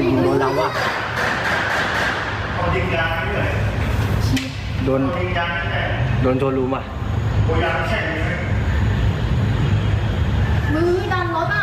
โดนเราว่ะโดนโชว์รูมอ่ะมือดันรถอ่ะ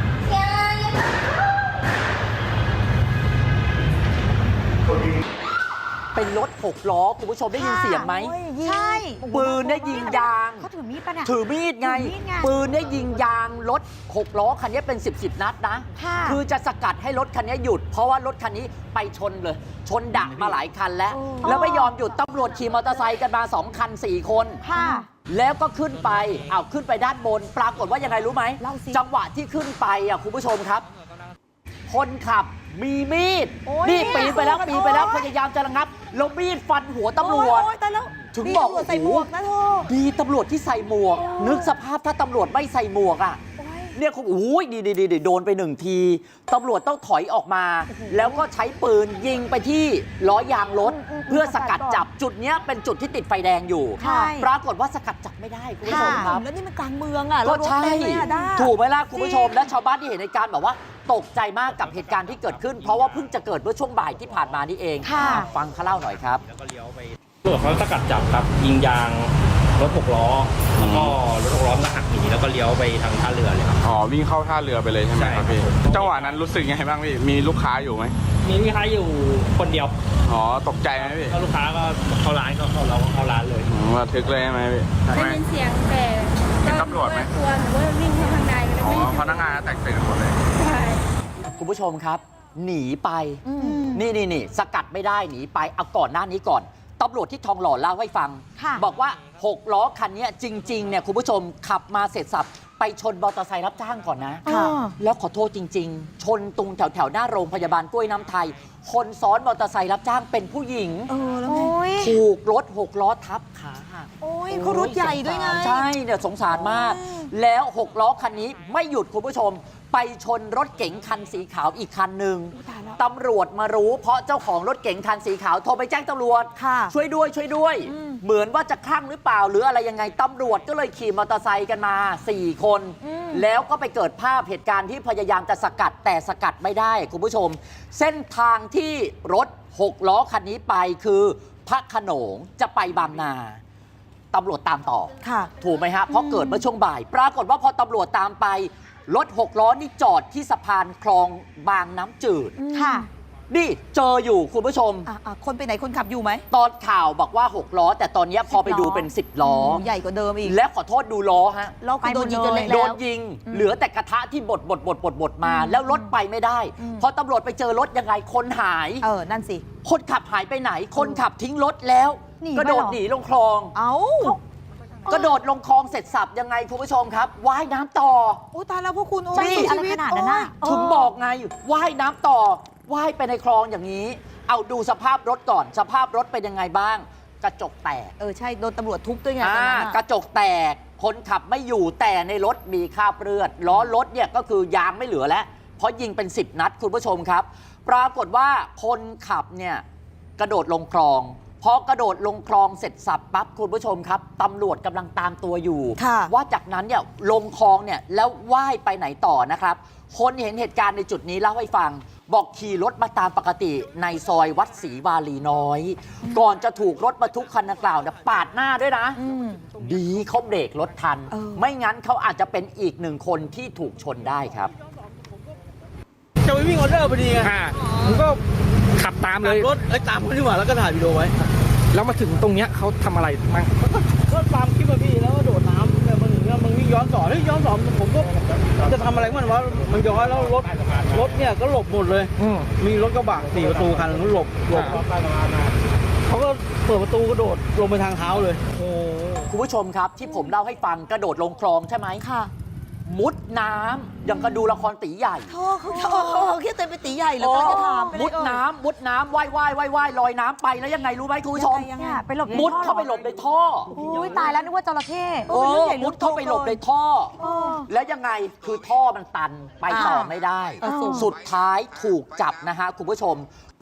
เป็นรถ6 ล้อคุณผู้ชมได้ยินเสียงไหมใช่ปืนได้ยิงยางเขาถือมีดปะเนี่ยถือมีดไง ปืนได้ยิงยางรถ6 ล้อคันนี้เป็น10นัดนะค่ะคือจะสกัดให้รถคันนี้หยุด เพราะว่ารถคันนี้ไปชนเลย ชนดักมาหลายคันแล้ว แล้วไม่ยอมหยุดตำรวจขี่มอเตอร์ไซค์กันมา2 คัน 4 คนค่ะแล้วก็ขึ้นไปขึ้นไปด้านบน ปรากฏว่ายังไงรู้ไหมเล่าสิจังหวะที่ขึ้นไปคุณผู้ชมครับ คนขับมีมีดโอ้ยนี่ปีนไปแล้วโอ้ยปีนไปแล้วพยายามจะระงับแล้วมีดฟันหัวตำรวจโอ้ยตายแล้วถึงบอกตำรวจใส่หมวกนะเธอดีตำรวจที่ใส่หมวก นึกสภาพถ้าตำรวจไม่ใส่หมวกเนี่ยคุณดีโดนไป1 ทีตำรวจต้องถอยออกมา แล้วก็ใช้ปืนยิงไปที่ล้อยางรถ เพื่อสกัดจับจุดเนี้ยเป็นจุดที่ติดไฟแดงอยู่ใช่ปรากฏว่าสกัดจับไม่ได้คุณผู้ชมครับแล้วนี่มันกลางเมืองอ่ะก็ใช่แล้วรถเต็มเลยอะด้าถูกไหมล่ะคุณผู้ชม และชาวบ้านที่เห็นในการบอกว่าตกใจมากกับเหตุการณ์ที่เกิดขึ้น เพราะว่าเพิ่งจะเกิดเมื่อช่วงบ่ายที่ผ่านมานี่เองค่ะฟังเขาเล่าหน่อยครับตำรวจเขาสกัดจับครับยิงยางรถ6 ล้อแล้วก็รถ6 ล้อมันก็หักหนีแล้วก็เลี้ยวไปทางท่าเรือเลยครับอ๋อวิ่งเข้าท่าเรือไปเลยใช่ไหมครับพี่ใช่ครับจังหวะนั้นรู้สึกไงบ้างพี่มีลูกค้าอยู่ไหมมีลูกค้าอยู่คนเดียวอ๋อตกใจไหมพี่แล้วลูกค้าก็เข้าร้านก็เราก็เข้าร้านเลยระทึกเลยใช่ไหมพี่ได้ยินเสียงแต่เห็นตำรวจไหมกลัวหนูว่าวิ่งเข้าข้างในก็อ๋เลยอไม่พนักงานแตกตื่นหมดเลยใช่คุณผู้ชมครับ หนีไป นี่สกัดไม่ได้หนีไปเอาก่อนหน้านี้ก่อนตำรวจที่ทองหล่อเล่าให้ฟังค่ะบอกว่า6 ล้อคันนี้จริงๆเนี่ยคุณผู้ชมขับมาเสร็จสับไปชนมอเตอร์ไซค์รับจ้างก่อนนะค่ะแล้วขอโทษจริง ๆ ชนตรงแถวหน้าโรงพยาบาลกล้วยน้ำไทย คนซ้อนมอเตอร์ไซค์รับจ้างเป็นผู้หญิงแล้วไงถูกรถ6 ล้อทับขาหักโอ้ยเขารถใหญ่ด้วยไงใช่เนี่ยสงสารมากโอ้ยแล้ว 6 ล้อคันนี้ไม่หยุดคุณผู้ชม ไปชนรถเก๋งคันสีขาวอีกคันหนึ่งตายแล้วตำรวจมารู้เพราะเจ้าของรถเก๋งคันสีขาวโทรไปแจ้งตำรวจค่ะช่วยด้วย เหมือนว่าจะคลั่งหรือเปล่า หรืออะไรยังไงตำรวจก็เลยขี่มอเตอร์ไซค์กันมา 4 คน แล้วก็ไปเกิดภาพเหตุการณ์ที่พยายามจะสกัดแต่สกัดไม่ได้คุณผู้ชม เส้นทางที่รถ 6 ล้อคันนี้ไปคือพระโขนงจะไปบางนาตำรวจตามต่อค่ะถูกไหมฮะ เพราะเกิดเมื่อช่วงบ่าย ปรากฏว่าพอตำรวจตามไป รถ 6 ล้อนี่จอดที่สะพานคลองบางน้ำจืดค่ะนี่เจออยู่คุณผู้ชมคนไปไหนคนขับอยู่ไหมตอนข่าวบอกว่า 6 ล้อ แต่ตอนนี้พอไปดูเป็น 10 ล้อใหญ่กว่าเดิมอีกและขอโทษดูล้อฮะล้อคือโดนยิงจนเละโดแล้วนยิง เหลือแต่กระทะที่บดมา แล้วรถไปไม่ได้ พอตำรวจไปเจอรถยังไงคนหายนั่นสิคนขับหายไปไหน คนขับทิ้งรถแล้วหนีกระโดดไปเหรอหนีลงคลองเอ้ากระโดดลงคลองเสร็จสับยังไงคุณผู้ชมครับว่ายน้ำต่อโอ้ตายแล้วพวกคุณโอ้ใช่ยอะไรชีวิตขนาดนั้นน่ะถึงบอกไงว่ายน้ำต่อว่ายไปในคลองอย่างนี้ เอาดูสภาพรถก่อน สภาพรถเป็นยังไงบ้าง กระจกแตกใช่โดนตำรวจทุบด้วยไงตอนนั้นกระจกแตก คนขับไม่อยู่แต่ในรถมีคราบเลือดล้อรถเนี่ยก็คือยางไม่เหลือแล้วเพราะยิงเป็น10 นัดคุณผู้ชมครับ ปรากฏว่าคนขับเนี่ยกระโดดลงคลองพอกระโดดลงคลองเสร็จสับปั๊บคุณผู้ชมครับตำรวจกำลังตามตัวอยู่ค่ะว่าจากนั้นเนี่ยลงคลองเนี่ยแล้วว่ายไปไหนต่อนะครับ คนเห็นเหตุการณ์ในจุดนี้เล่าให้ฟัง บอกขี่รถมาตามปกติในซอยวัดศรีวาลีน้อย ก่อนจะถูกรถบรรทุกคันดังกล่าวเนี่ยปาดหน้าด้วยนะ ดีเขาเบรกรถทัน ไม่งั้นเขาอาจจะเป็นอีกหนึ่งคนที่ถูกชนได้ครับจะไปวิ่งออเดอร์พอดีไงผมก็ขับตามเลยรถตามเขาดีกว่าแล้วก็ถ่ายวิดีโอไว้แล้วมาถึงตรงเนี้ยเขาทำอะไรบ้างก็ตามคลิปมาพี่แล้วก็โดดน้ำเนี่ยมันถึงมันวิ่งย้อนสอนย้อนสอนผมก็จะทำอะไรมันวะมันย้อนแล้วรถเนี่ยก็หลบหมดเลย มีรถกระบะ4 ประตูคันนึงหลบเขาก็เปิดประตูกระโดดลงไปทางเท้าเลยโอ้คุณผู้ชมครับที่ผมเล่าให้ฟังกระโดดลงคลองใช่ไหมค่ะมุดน้ำยังกระดูละครตีใหญ่โธ่เขาคิดเต็มไปตีใหญ่เลยก็จะถามไปเลยมุดน้ำว่ายลอยน้ำไปแล้วยังไงรู้ไหมคุณผู้ชมยังไงไปหลบในมุดท่อเข้าไปหลบในท่ออุ้ยตายแล้วนึกว่าจระเข้มุดเข้าไปหลบในท่อ แล้วยังไงคือท่อมันตันไปต่อไม่ได้สูงสุดท้ายถูกจับนะฮะคุณผู้ชม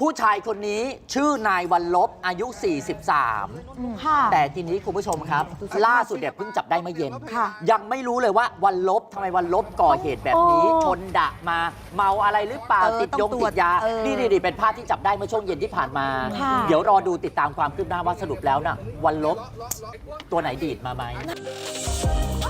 ผู้ชายคนนี้ชื่อนายวันลบอายุ 43 ค่ะแต่ทีนี้คุณผู้ชมครับ ล่าสุดเนี่ยเพิ่งจับได้เมื่อเย็นค่ะยังไม่รู้เลยว่าวันลบทำไมวันลบก่อเหตุแบบนี้โอ้ชนดะมาเมาอะไรหรือเปล่า ติดต้องยงตรติวจดยา นี่เป็นภาพที่จับได้เมื่อช่วงเย็นที่ผ่านมาค่ะเดี๋ยวรอดูติดตามความคืบหน้าว่าสรุปแล้วน่ะวันลบตัวไหนดีดมาไหม